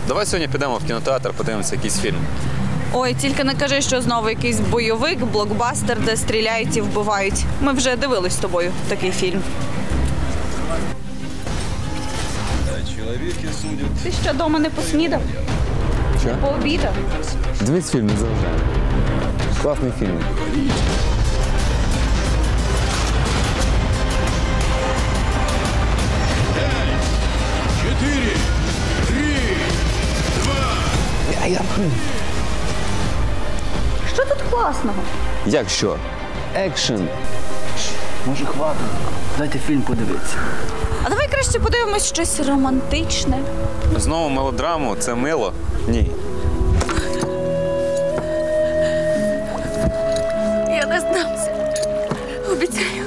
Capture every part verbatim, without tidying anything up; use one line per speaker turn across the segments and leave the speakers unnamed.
Давай сьогодні підемо в кінотеатр, подивимося якийсь фільм.
Ой, тільки не кажи, що знову якийсь бойовик, блокбастер, де стріляють і вбивають. Ми вже дивились з тобою такий фільм. Ти що, дома не поснідав?
Що?
Не пообідав?
Дивись фільм, не заважай. Класний фільм.
Чотири, три, два.
Що тут класного?
Як що? Екшен.
Може, хватить? Дайте фільм подивитися.
А давай краще подивимось щось романтичне.
Знову мелодраму, це мило? Ні.
Я не здамся. Обіцяю.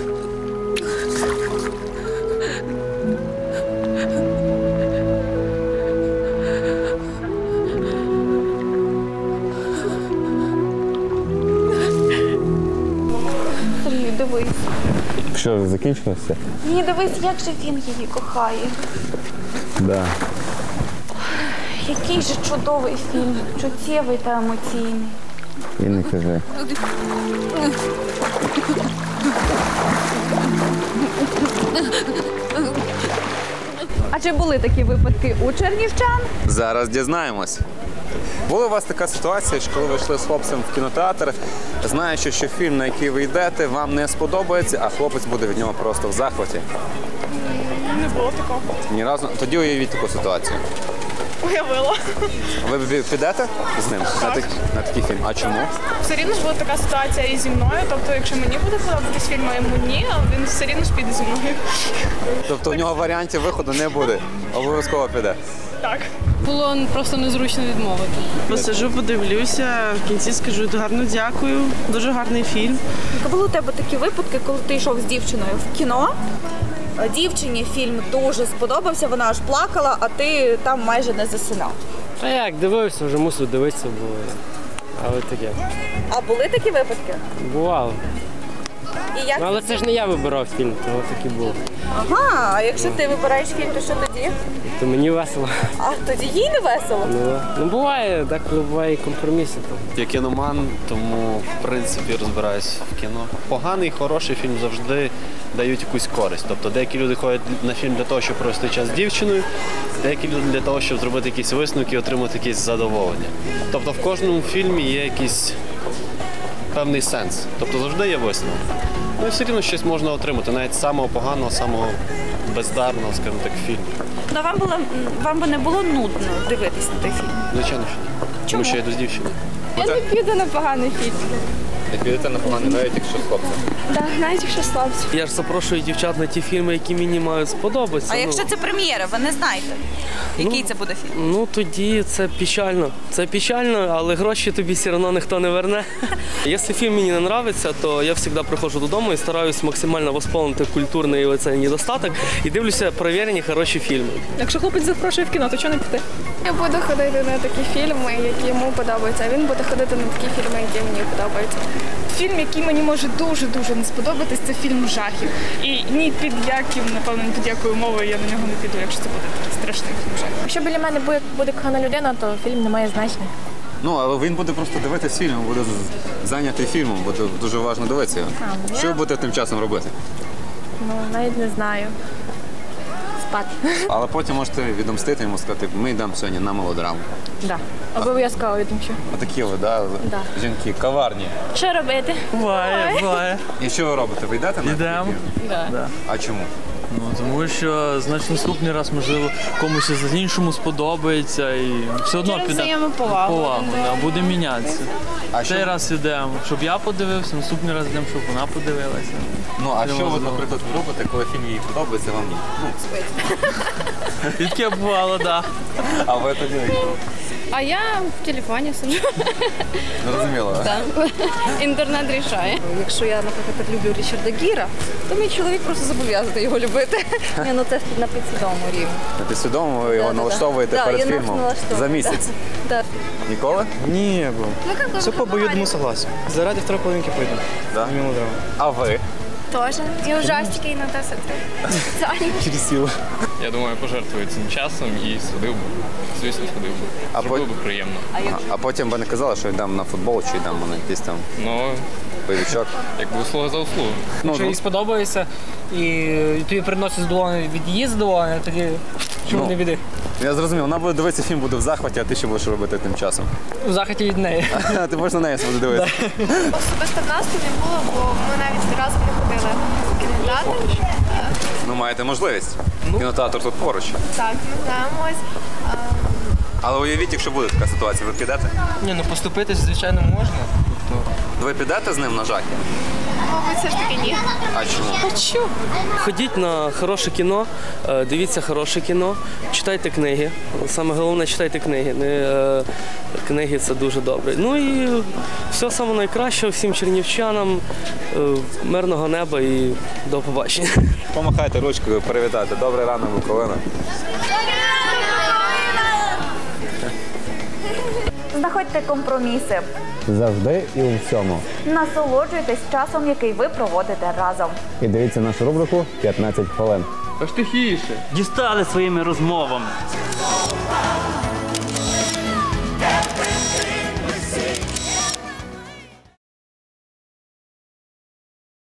Сергій, дивись.
Що, закінчилося?
Ні, дивись, як же він її кохає.
Да.
Який же чудовий фільм, чуттєвий та емоційний.
І не кажи.
А чи були такі випадки у чернівчан?
Зараз дізнаємось. Була у вас така ситуація, що коли ви йшли з хлопцем в кінотеатр, знаючи, що фільм, на який ви йдете, вам не сподобається, а хлопець буде від нього просто в захваті?
Не було такого.
Ні разу. Тоді уявіть таку ситуацію.
Уявила.
Ви б підете з ним на, так, на такий фільм? А чому?
Все рівно ж була така ситуація і зі мною. Тобто, якщо мені буде подобатись фільм, а йому ні, а він все рівно ж піде зі мною.
Тобто у нього варіантів виходу не буде. Обов'язково піде.
Так.
Було просто незручно відмовити.
Посиджу, подивлюся, в кінці скажу гарно дякую, дуже гарний фільм.
Були у тебе такі випадки, коли ти йшов з дівчиною в кіно? Дівчині фільм дуже сподобався, вона аж плакала, а ти там майже не засинав.
А як, дивився, вже мусив дивитися, бо... Але таке.
А були такі випадки?
Бувало.
І як?
Ну, але це ж не я вибирав фільм, тому так і було.
Ага, а якщо ти вибираєш фільм, то що тоді?
То мені весело.
А тоді їй не весело?
Ну, ну буває, так буває і компроміси. Там.
Я кіноман, тому в принципі розбираюсь в кіно. Поганий, хороший фільм завжди дають якусь користь. Тобто деякі люди ходять на фільм для того, щоб провести час з дівчиною, деякі люди для того, щоб зробити якісь висновки і отримати якесь задоволення. Тобто в кожному фільмі є якийсь певний сенс. Тобто завжди є висновок. Ну і все рівно щось можна отримати, навіть з самого поганого, самого бездарного, скажімо так, фільму.
Ну, вам було, вам би не було нудно дивитись на той фільм?
Звичайно, що ні. Тому що я йду з дівчиною.
Я не піду на поганий фільм.
Не підете на поганий, навіть якщо з хлопцем.
Так, навіть якщо слабці.
Я ж запрошую дівчат на ті фільми, які мені мають сподобатися.
А
ну.
якщо це прем'єра, ви не знаєте, який
Ну,
це буде фільм?
Ну тоді це печально. Це печально, але гроші тобі все одно ніхто не верне. Якщо фільм мені не подобається, то я завжди приходжу додому і стараюсь максимально восполнити культурний оцей недостаток і дивлюся перевірені хороші фільми.
Якщо хлопець запрошує в кіно, то чого не піти?
Я буду ходити на такі фільми, які йому подобаються, а він буде ходити на такі фільми, які мені подобаються.
Фільм, який мені може дуже-дуже не сподобатись, це фільм жахів. І ні під яким, напевно, ні під якою мовою я на нього не піду, якщо це буде такий страшний фільм жахів.
Якщо біля мене буде, буде кохана людина, то фільм не має значення.
Ну, але він буде просто дивитися фільм, буде з- зайнятий фільмом, буде дуже важливо дивитися його.
А,
Що ви
я-
будете тим часом робити?
Ну, навіть не знаю. Спати.
Але потім можете відомстити йому, сказати, ми йдемо сьогодні на мелодраму.
Так. Обов'язково відомчу.
Отакі ви, да?
Да.
Жінки, коварні.
Що робити?
Буває, буває.
І що ви робите? Ви йдете на
Йдемо.
такий фільм?
Да.
Да.
А чому?
Ну, тому що, значить, наступний раз, можливо, комусь із іншому сподобається і все одно
Через
піде.
взаємоповагу.
Повагу, да, буде мінятися.
А
Цей
що-
раз йдемо, щоб я подивився, наступний раз йдемо, щоб вона подивилася.
Ну, а
Це
що ви,
можливо.
наприклад, робите, коли фільм їй подобається, вам ні? Ну,
Таке бувало, так. Да.
а ви тоді
А я в телефоні сиджу.
зрозуміло.
Інтернет рішає.
Якщо я, наприклад, так люблю Річарда Гіра, то мій чоловік просто зобов'язаний його любити. Ні, ну це на підсвідомому рівні.
На підсвідомо ви його
Да-да-да.
налаштовуєте
Да,
перед
я
фільмом
налаштовую,
за місяць.
Да.
Ніколи?
Не был. Все по обоюдному согласию. За ради второй половинки пойду.
Да.
На мелодраму.
А ви?
Теж. І ужастики іноді смотрю.
Через силу.
Я думаю, пожертвую цим часом і сходив би. Звісно, сходив би.
А
Це було
пот-
б приємно.
А, а потім би не казали, що йдемо на футбол чи йдемо на якийсь там
Ну,
бойовичок.
якби услуга за услугу.
Ну,
Якщо
ну,
їй сподобається і тобі приносить задоволення від її задоволення, тоді чому
Ну.
не біди?
я зрозумів, вона буде дивитися фільм, буде в захваті, а ти що будеш робити тим часом?
У захваті від неї.
Ти можеш на неї буде дивитися.
Особисто в нас тут не було, бо ми навіть разом не ходили в кінотеатр.
Ну, маєте можливість. Кінотеатр тут поруч.
Так, ми знаємо ось.
Але уявіть, якщо буде така ситуація, ви підете?
Ні, ну поступитись, звичайно, можна. Тобто,
Ви підете з ним на жахи?
Мабуть, все ж таки ні.
А чому?
Ходіть на хороше кіно, е, дивіться хороше кіно, читайте книги. Саме головне читайте книги. Не, е, книги це дуже добре. Ну і все саме найкраще всім чернівчанам, е, мирного неба і до побачення.
Помахайте ручкою, привітайте. Добрий ранок, Буковина.
Знаходьте компроміси.
Завжди і у всьому.
Насолоджуйтесь часом, який ви проводите разом.
І дивіться нашу рубрику «п'ятнадцять хвилин».
Та ж тихіше.
Дістали своїми розмовами.